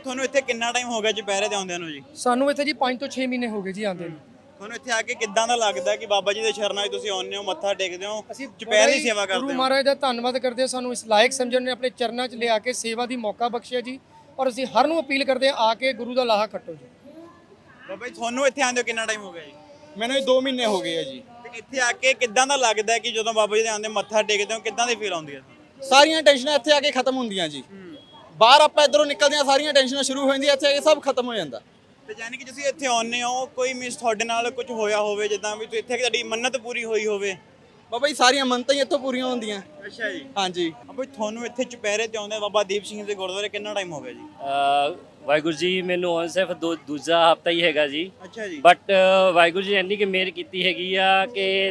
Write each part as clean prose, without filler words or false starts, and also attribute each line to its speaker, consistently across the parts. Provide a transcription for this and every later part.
Speaker 1: ਤੁਹਾਨੂੰ ਇੱਥੇ ਕਿੰਨਾ ਟਾਈਮ ਹੋ ਗਿਆ ਚੁਪਹਿਰੇ ਤੇ ਆਉਂਦਿਆਂ ਨੂੰ ਜੀ?
Speaker 2: ਸਾਨੂੰ ਇੱਥੇ ਜੀ 5 ਤੋਂ 6 ਮਹੀਨੇ ਹੋ ਗਏ ਜੀ ਆਉਂਦੇ ਨੂੰ।
Speaker 1: ਤੁਹਾਨੂੰ ਇੱਥੇ ਆ ਕੇ ਕਿੱਦਾਂ ਦਾ ਲੱਗਦਾ ਕਿ ਬਾਬਾ ਜੀ ਦੇ ਚਰਨਾਂ 'ਚ ਤੁਸੀਂ ਆਉਂਦੇ ਹੋ, ਮੱਥਾ ਟੇਕਦੇ ਹੋ,
Speaker 2: ਅਸੀਂ
Speaker 1: ਚੁਪਹਿਰੇ ਦੀ ਸੇਵਾ ਕਰਦੇ
Speaker 2: ਗੁਰੂ
Speaker 1: ਹੋ?
Speaker 2: ਮਹਾਰਾਜ ਦਾ ਧੰਨਵਾਦ ਕਰਦੇ ਹਾਂ, ਸਾਨੂੰ ਇਸ ਲਾਇਕ ਸਮਝਣ ਨੇ ਆਪਣੇ ਚਰਨਾਂ 'ਚ ਲਿਆ ਕੇ ਸੇਵਾ ਦੀ ਮੌਕਾ ਬਖਸ਼ਿਆ ਜੀ। ਔਰ ਅਸੀਂ ਹਰ ਨੂੰ ਅਪੀਲ ਕਰਦੇ ਹਾਂ, ਆ ਕੇ ਗੁਰੂ ਦਾ ਲਾਹਾ ਕੱਟੋ ਜੀ।
Speaker 1: ਬਾਬਾ ਜੀ ਤੁਹਾਨੂੰ ਇੱਥੇ ਆਉਂਦੇ ਹੋ ਕਿੰਨਾ ਟਾਈਮ ਹੋ ਗਿਆ ਜੀ?
Speaker 3: ਮੈਨੂੰ 2 ਮਹੀਨੇ ਹੋ ਗਏ ਆ ਜੀ।
Speaker 1: ਤੇ ਇੱਥੇ ਆ ਕੇ ਕਿੱਦਾਂ ਦਾ ਲੱਗਦਾ ਕਿ ਜਦੋਂ ਬਾਬਾ ਜੀ ਦੇ ਆਉਂਦੇ ਮੱਥਾ ਟੇਕਦੇ ਹੋ, ਕਿੱਦਾਂ ਦੀ ਫੀਲ ਆਉਂਦੀ ਹੈ?
Speaker 3: ਸਾਰੀਆਂ ਟੈਨਸ਼ਨਾਂ ਇੱਥੇ ਆ ਕੇ ਖਤਮ ਹੁੰਦੀਆਂ ਜੀ। ਬਾਹਰ ਆਪਾਂ ਇਧਰੋਂ ਨਿਕਲਦੇ ਆ, ਸਾਰੀਆਂ ਟੈਨਸ਼ਨਾਂ ਸ਼ੁਰੂ ਹੋ ਜਾਂਦੀਆਂ, ਇੱਥੇ ਆ ਕੇ ਸਭ ਖਤਮ ਹੋ ਜਾਂਦਾ।
Speaker 1: ਤੇ ਯਾਨੀ ਕਿ ਤੁਸੀਂ ਇੱਥੇ ਆਉਂਦੇ ਹੋ, ਕੋਈ ਮਿਸ ਤੁਹਾਡੇ ਨਾਲ ਕੁਝ ਹੋਇਆ ਹੋਵੇ, ਜਿੱਦਾਂ ਵੀ ਤੁਸੀਂ ਇੱਥੇ ਤੁਹਾਡੀ ਮੰਨਤ ਪੂਰੀ ਹੋਈ ਹੋਵੇ?
Speaker 3: ਬਾਬਾ ਜੀ ਸਾਰੀਆਂ ਮੰਨਤਾਂ ਹੀ ਇੱਥੋਂ ਪੂਰੀਆਂ ਹੁੰਦੀਆਂ।
Speaker 1: ਅੱਛਾ ਜੀ।
Speaker 3: ਹਾਂਜੀ।
Speaker 1: ਬਾਬਾ ਜੀ ਤੁਹਾਨੂੰ ਇੱਥੇ ਚੁਪਹਿਰੇ ਤੇ ਆਉਂਦੇ ਬਾਬਾ ਦੀਪ ਸਿੰਘ ਦੇ ਗੁਰਦੁਆਰੇ ਕਿੰਨਾ ਟਾਈਮ ਹੋ ਗਿਆ ਜੀ?
Speaker 4: ਵਾਹਿਗੁਰੂ ਜੀ ਮੈਨੂੰ ਹੁਣ ਸਿਰਫ ਦੂਜਾ ਹਫਤਾ ਹੀ ਹੈਗਾ ਜੀ।
Speaker 1: ਅੱਛਾ ਜੀ।
Speaker 4: ਬਟ ਵਾਹਿਗੁਰੂ ਜੀ ਇੰਨੀ ਕਿ ਮਿਹਰ ਕੀਤੀ ਹੈਗੀ ਆ ਕਿ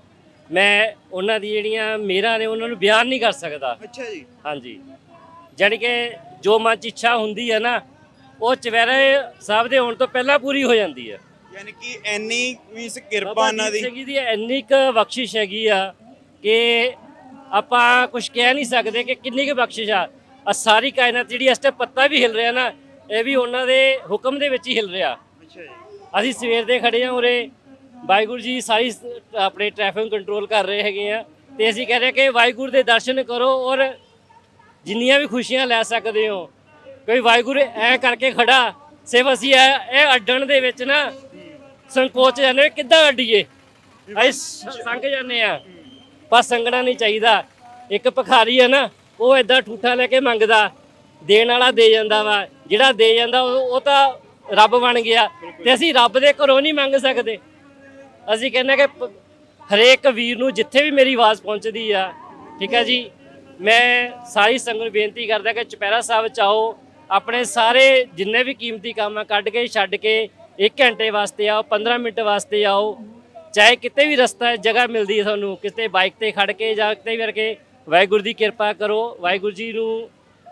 Speaker 4: ਮੈਂ ਉਹਨਾਂ ਦੀ ਜਿਹੜੀਆਂ ਮਿਹਰਾਂ ਨੇ ਉਹਨਾਂ ਨੂੰ ਬਿਆਨ ਨਹੀਂ ਕਰ ਸਕਦਾ।
Speaker 1: ਅੱਛਾ ਜੀ।
Speaker 4: ਹਾਂਜੀ, ਜਾਣੀ ਕਿ ਜੋ ਮਨ 'ਚ ਇੱਛਾ ਹੁੰਦੀ ਹੈ ਨਾ, ਉਹ ਚੁਪਹਿਰੇ ਸਾਹਿਬ ਦੇ ਹੋਣ ਤੋਂ ਪਹਿਲਾਂ ਪੂਰੀ ਹੋ ਜਾਂਦੀ ਹੈ।
Speaker 1: ਯਾਨੀ ਕਿ ਇੰਨੀ ਮੀਨਸ ਕਿਰਪਾ ਉਹਨਾਂ ਦੀ।
Speaker 4: ਬਾਬਾ ਦੀ ਇੰਨੀ ਕੁ ਬਖਸ਼ਿਸ਼ ਹੈਗੀ ਆ ਕਿ ਆਪਾਂ ਕੁਝ ਕਹਿ ਨਹੀਂ ਸਕਦੇ ਕਿ ਕਿੰਨੀ ਕੁ ਬਖਸ਼ਿਸ਼ ਆ। ਸਾਰੀ ਕਾਇਨਾਤ ਜਿਹੜੀ ਇਸ ਤੇ ਪੱਤਾ ਵੀ ਹਿਲ ਰਿਹਾ ਨਾ, ਇਹ ਵੀ ਉਹਨਾਂ ਦੇ ਹੁਕਮ ਦੇ ਵਿੱਚ ਹੀ ਹਿਲ ਰਿਹਾ।
Speaker 1: ਅੱਛਾ ਜੀ।
Speaker 4: ਅਸੀਂ ਸਵੇਰ ਦੇ ਖੜੇ ਹਾਂ ਉਰੇ, ਵਾਹਿਗੁਰੂ ਜੀ ਸਾਰੀ ਆਪਣੇ ਟ੍ਰੈਫਿਕ ਕੰਟਰੋਲ ਕਰ ਰਹੇ ਹੈਗੇ ਆ, ਤੇ ਅਸੀਂ ਕਹਿ ਰਹੇ ਕਿ ਵਾਹਿਗੁਰੂ ਦੇ ਦਰਸ਼ਨ ਕਰੋ ਔਰ ਜਿੰਨੀਆਂ ਵੀ ਖੁਸ਼ੀਆਂ ਲੈ ਸਕਦੇ ਹੋ। ਕੋਈ ਵਾਹਿਗੁਰੂ ਐ ਕਰਕੇ ਖੜਾ, ਸਿਰਫ ਅਸੀਂ ਇਹ ਅੱਡਣ ਦੇ ਵਿੱਚ ਨਾ ਸੰਕੋਚ ਜਾਂਦੇ, ਕਿੱਦਾਂ ਅੱਡੀਏ, ਅਸੀਂ ਸੰਗ ਜਾਂਦੇ ਆ। ਪਰ ਸੰਗਣਾ ਨਹੀਂ ਚਾਹੀਦਾ। ਇੱਕ ਭਿਖਾਰੀ ਹੈ ਨਾ, ਉਹ ਏਦਾਂ ਠੂਠਾ ਲੈ ਕੇ ਮੰਗਦਾ, ਦੇਣ ਵਾਲਾ ਦੇ ਜਾਂਦਾ ਵਾ। ਜਿਹੜਾ ਦੇ ਜਾਂਦਾ ਉਹ ਤਾਂ ਰੱਬ ਬਣ ਗਿਆ, ਤੇ ਅਸੀਂ ਰੱਬ ਦੇ ਘਰੋਂ ਨਹੀਂ ਮੰਗ ਸਕਦੇ। ਅਸੀਂ ਕਹਿੰਦੇ ਕਿ ਹਰੇਕ ਵੀਰ ਨੂੰ ਜਿੱਥੇ ਵੀ ਮੇਰੀ ਆਵਾਜ਼ ਪਹੁੰਚਦੀ ਆ, ਠੀਕ ਹੈ ਜੀ, ਮੈਂ ਸਾਰੀ ਸੰਗਤ ਨੂੰ ਬੇਨਤੀ ਕਰਦਾ ਕਿ ਚੁਪਹਿਰਾ ਸਾਹਿਬ 'ਚ ਆਓ, ਆਪਣੇ ਸਾਰੇ ਜਿੰਨੇ ਵੀ ਕੀਮਤੀ ਕੰਮ ਆ ਕੱਢ ਕੇ ਛੱਡ ਕੇ 1 ਘੰਟੇ ਵਾਸਤੇ ਆਓ, 15 ਮਿੰਟ ਵਾਸਤੇ ਆਓ। ਚਾਹੇ ਕਿਤੇ ਵੀ ਰਸਤਾ ਜਗ੍ਹਾ ਮਿਲਦੀ ਹੈ ਤੁਹਾਨੂੰ, ਕਿਤੇ ਬਾਈਕ ਤੇ ਖੜ ਕੇ ਜਾਂ ਕਿਤੇ ਵੀ ਕਰਕੇ, ਵਾਹਿਗੁਰੂ ਦੀ ਕਿਰਪਾ ਕਰੋ, ਵਾਹਿਗੁਰੂ ਜੀ ਨੂੰ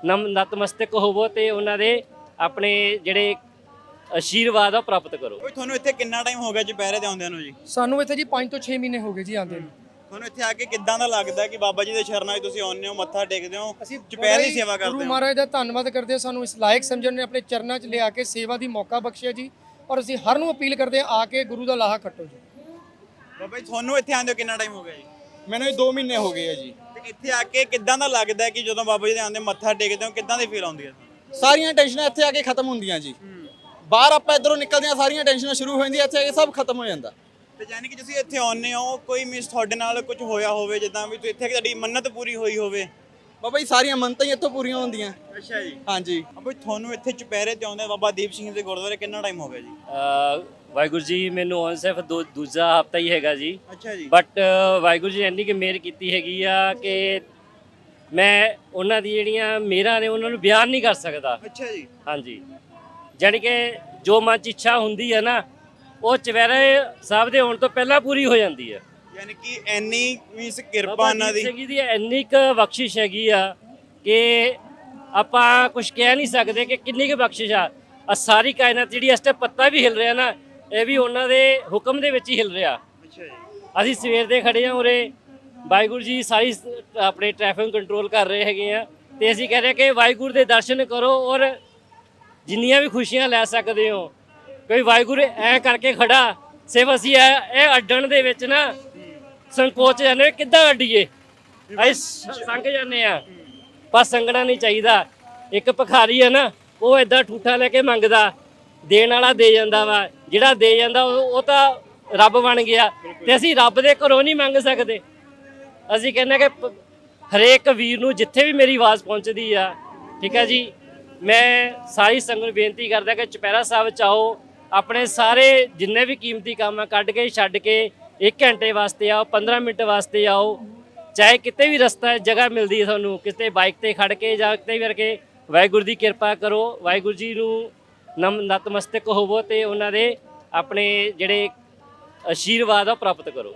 Speaker 4: ਨਤਮਸਤਕ ਹੋਵੋ ਤੇ ਉਹਨਾਂ ਦੇ ਆਪਣੇ ਜਿਹੜੇ ਆਸ਼ੀਰਵਾਦ ਆ ਪ੍ਰਾਪਤ ਕਰੋ।
Speaker 1: ਤੁਹਾਨੂੰ ਇੱਥੇ ਕਿੰਨਾ ਟਾਈਮ ਹੋ ਗਿਆ ਚੁਪਹਿਰੇ ਤੇ ਆਉਂਦਿਆਂ ਨੂੰ ਜੀ?
Speaker 2: ਸਾਨੂੰ ਇੱਥੇ ਜੀ 5 ਤੋਂ 6 ਮਹੀਨੇ ਹੋ ਗਏ ਜੀ ਆਉਂਦੇ ਨੂੰ।
Speaker 1: ਤੁਹਾਨੂੰ ਇੱਥੇ ਆ ਕੇ ਕਿੱਦਾਂ ਦਾ ਲੱਗਦਾ ਕਿ ਬਾਬਾ ਜੀ ਦੇ ਚਰਨਾਂ 'ਚ ਤੁਸੀਂ ਆਉਂਦੇ ਹੋ, ਮੱਥਾ ਟੇਕਦੇ ਹੋ, ਚੁਪਹਿਰੇ ਦੀ ਸੇਵਾ ਕਰਦੇ ਹੋ?
Speaker 2: ਗੁਰੂ ਮਹਾਰਾਜ ਦਾ ਧੰਨਵਾਦ ਕਰਦੇ ਹਾਂ, ਸਾਨੂੰ ਇਸ ਲਾਇਕ ਸਮਝਣ ਨੇ ਆਪਣੇ ਚਰਨਾਂ 'ਚ ਲਿਆ ਕੇ ਸੇਵਾ ਦੀ ਮੌਕਾ ਬਖਸ਼ਿਆ ਜੀ। ਔਰ ਅਸੀਂ ਹਰ ਨੂੰ ਅਪੀਲ ਕਰਦੇ ਹਾਂ, ਆ ਕੇ ਗੁਰੂ ਦਾ ਲਾਹਾ ਕੱਟੋ ਜੀ।
Speaker 1: ਬਾਬਾ ਜੀ ਤੁਹਾਨੂੰ ਇੱਥੇ ਆਉਂਦੇ ਹੋ ਕਿੰਨਾ ਟਾਈਮ ਹੋ ਗਿਆ ਜੀ?
Speaker 3: ਮੈਨੂੰ 2 ਮਹੀਨੇ ਹੋ ਗਏ ਆ ਜੀ।
Speaker 1: ਤੇ ਇੱਥੇ ਆ ਕੇ ਕਿੱਦਾਂ ਦਾ ਲੱਗਦਾ ਕਿ ਜਦੋਂ ਬਾਬਾ ਜੀ ਦੇ ਆਉਂਦੇ ਮੱਥਾ ਟੇਕਦੇ ਹੋ, ਕਿੱਦਾਂ ਦੀ ਫੀਲ ਆਉਂਦੀ ਹੈ?
Speaker 3: ਸਾਰੀਆਂ ਟੈਨਸ਼ਨਾਂ ਇੱਥੇ ਆ ਕੇ ਖਤਮ ਹੁੰਦੀਆਂ ਜੀ। ਬਾਹਰ ਆਪਾਂ ਇਧਰੋਂ ਨਿਕਲਦੇ ਆ, ਸਾਰੀਆਂ ਟੈਨਸ਼ਨਾਂ ਸ਼ੁਰੂ ਹੋ ਜਾਂਦੀਆਂ, ਇੱਥੇ ਆ ਕੇ ਸਭ ਖਤਮ ਹੋ ਜਾਂਦਾ।
Speaker 1: ਤੇ ਯਾਨੀ ਕਿ ਤੁਸੀਂ ਇੱਥੇ ਆਉਂਦੇ ਹੋ, ਕੋਈ ਮਿਸ ਤੁਹਾਡੇ ਨਾਲ ਕੁਝ ਹੋਇਆ ਹੋਵੇ, ਜਿੱਦਾਂ ਵੀ ਤੁਸੀਂ ਇੱਥੇ ਤੁਹਾਡੀ ਮੰਨਤ ਪੂਰੀ ਹੋਈ ਹੋਵੇ?
Speaker 3: ਬਾਬਾ ਜੀ ਸਾਰੀਆਂ ਮੰਨਤਾਂ ਹੀ ਇੱਥੋਂ ਪੂਰੀਆਂ ਹੁੰਦੀਆਂ।
Speaker 1: ਅੱਛਾ ਜੀ।
Speaker 3: ਹਾਂਜੀ।
Speaker 1: ਬਾਬਾ ਜੀ ਤੁਹਾਨੂੰ ਇੱਥੇ ਚੁਪਹਿਰੇ ਤੇ ਆਉਂਦੇ ਬਾਬਾ ਦੀਪ ਸਿੰਘ ਦੇ ਗੁਰਦੁਆਰੇ ਕਿੰਨਾ ਟਾਈਮ ਹੋ ਗਿਆ ਜੀ?
Speaker 4: ਵਾਹਿਗੁਰੂ ਜੀ ਮੈਨੂੰ ਹੁਣ ਸਿਰਫ ਦੂਜਾ ਹਫਤਾ ਹੀ ਹੈਗਾ ਜੀ।
Speaker 1: ਅੱਛਾ ਜੀ।
Speaker 4: ਬਟ ਵਾਹਿਗੁਰੂ ਜੀ ਇੰਨੀ ਕਿ ਮਿਹਰ ਕੀਤੀ ਹੈਗੀ ਆ ਕਿ ਮੈਂ ਉਹਨਾਂ ਦੀ ਜਿਹੜੀਆਂ ਮਿਹਰਾਂ ਨੇ ਉਹਨਾਂ ਨੂੰ ਬਿਆਨ ਨਹੀਂ ਕਰ ਸਕਦਾ।
Speaker 1: ਅੱਛਾ ਜੀ।
Speaker 4: ਹਾਂਜੀ, ਜਾਣੀ ਕਿ ਜੋ ਮਨ 'ਚ ਇੱਛਾ ਹੁੰਦੀ ਹੈ ਨਾ, ਉਹ ਚੁਪਹਿਰੇ ਸਾਹਿਬ ਦੇ ਹੋਣ ਤੋਂ ਪਹਿਲਾਂ ਪੂਰੀ ਹੋ ਜਾਂਦੀ ਹੈ।
Speaker 1: ਯਾਨੀ ਕਿ ਇੰਨੀ ਮੀਨਸ ਕਿਰਪਾ ਉਹਨਾਂ ਦੀ।
Speaker 4: ਬਾਬਾ ਦੀ ਇੰਨੀ ਕੁ ਬਖਸ਼ਿਸ਼ ਹੈਗੀ ਆ ਕਿ ਆਪਾਂ ਕੁਝ ਕਹਿ ਨਹੀਂ ਸਕਦੇ ਕਿ ਕਿੰਨੀ ਕੁ ਬਖਸ਼ਿਸ਼ ਆ। ਸਾਰੀ ਕਾਇਨਾਤ ਜਿਹੜੀ ਇਸ ਤੇ ਪੱਤਾ ਵੀ ਹਿਲ ਰਿਹਾ ਨਾ, ਇਹ ਵੀ ਉਹਨਾਂ ਦੇ ਹੁਕਮ ਦੇ ਵਿੱਚ ਹੀ ਹਿਲ ਰਿਹਾ।
Speaker 1: ਅੱਛਾ ਜੀ।
Speaker 4: ਅਸੀਂ ਸਵੇਰ ਦੇ ਖੜੇ ਹਾਂ ਉਰੇ, ਵਾਹਿਗੁਰੂ ਜੀ ਸਾਰੀ ਆਪਣੇ ਟ੍ਰੈਫਿਕ ਕੰਟਰੋਲ ਕਰ ਰਹੇ ਹੈਗੇ ਆ, ਤੇ ਅਸੀਂ ਕਹਿ ਰਹੇ ਕਿ ਵਾਹਿਗੁਰੂ ਦੇ ਦਰਸ਼ਨ ਕਰੋ ਔਰ ਜਿੰਨੀਆਂ ਵੀ ਖੁਸ਼ੀਆਂ ਲੈ ਸਕਦੇ ਹੋ। ਕੋਈ ਵਾਹਿਗੁਰੂ ਐ ਕਰਕੇ ਖੜਾ, ਸਿਰਫ ਅਸੀਂ ਇਹ ਅੱਡਣ ਦੇ ਵਿੱਚ ਨਾ ਸੰਕੋਚ ਜਾਂਦੇ, ਕਿੱਦਾਂ ਅੱਡੀਏ, ਅਸੀਂ ਸੰਗ ਜਾਂਦੇ ਆ। ਪਰ ਸੰਗਣਾ ਨਹੀਂ ਚਾਹੀਦਾ। ਇੱਕ ਭਿਖਾਰੀ ਹੈ ਨਾ, ਉਹ ਏਦਾਂ ਠੂਠਾ ਲੈ ਕੇ ਮੰਗਦਾ, ਦੇਣ ਵਾਲਾ ਦੇ ਜਾਂਦਾ ਵਾ। ਜਿਹੜਾ ਦੇ ਜਾਂਦਾ ਉਹ ਤਾਂ ਰੱਬ ਬਣ ਗਿਆ, ਤੇ ਅਸੀਂ ਰੱਬ ਦੇ ਘਰੋਂ ਨਹੀਂ ਮੰਗ ਸਕਦੇ। ਅਸੀਂ ਕਹਿੰਦੇ ਕਿ ਹਰੇਕ ਵੀਰ ਨੂੰ ਜਿੱਥੇ ਵੀ ਮੇਰੀ ਆਵਾਜ਼ ਪਹੁੰਚਦੀ ਆ, ਠੀਕ ਹੈ ਜੀ, ਮੈਂ ਸਾਰੀ ਸੰਗਤ ਨੂੰ ਬੇਨਤੀ ਕਰਦਾ ਕਿ ਚੁਪਹਿਰਾ ਸਾਹਿਬ 'ਚ ਆਓ, ਆਪਣੇ ਸਾਰੇ ਜਿੰਨੇ ਵੀ ਕੀਮਤੀ ਕੰਮ ਆ ਕੱਢ ਕੇ ਛੱਡ ਕੇ 1 ਘੰਟੇ ਵਾਸਤੇ ਆਓ, 15 ਮਿੰਟ ਵਾਸਤੇ ਆਓ। ਚਾਹੇ ਕਿਤੇ ਵੀ ਰਸਤਾ ਜਗ੍ਹਾ ਮਿਲਦੀ ਹੈ ਤੁਹਾਨੂੰ, ਕਿਤੇ ਬਾਈਕ ਤੇ ਖੜ ਕੇ ਜਾਂ ਕਿਤੇ ਵੀ ਕਰਕੇ, ਵਾਹਿਗੁਰੂ ਦੀ ਕਿਰਪਾ ਕਰੋ, ਵਾਹਿਗੁਰੂ ਜੀ ਨੂੰ ਨਤਮਸਤਕ ਹੋਵੋ ਤੇ ਉਹਨਾਂ ਦੇ ਆਪਣੇ ਜਿਹੜੇ ਆਸ਼ੀਰਵਾਦ ਆ ਪ੍ਰਾਪਤ ਕਰੋ।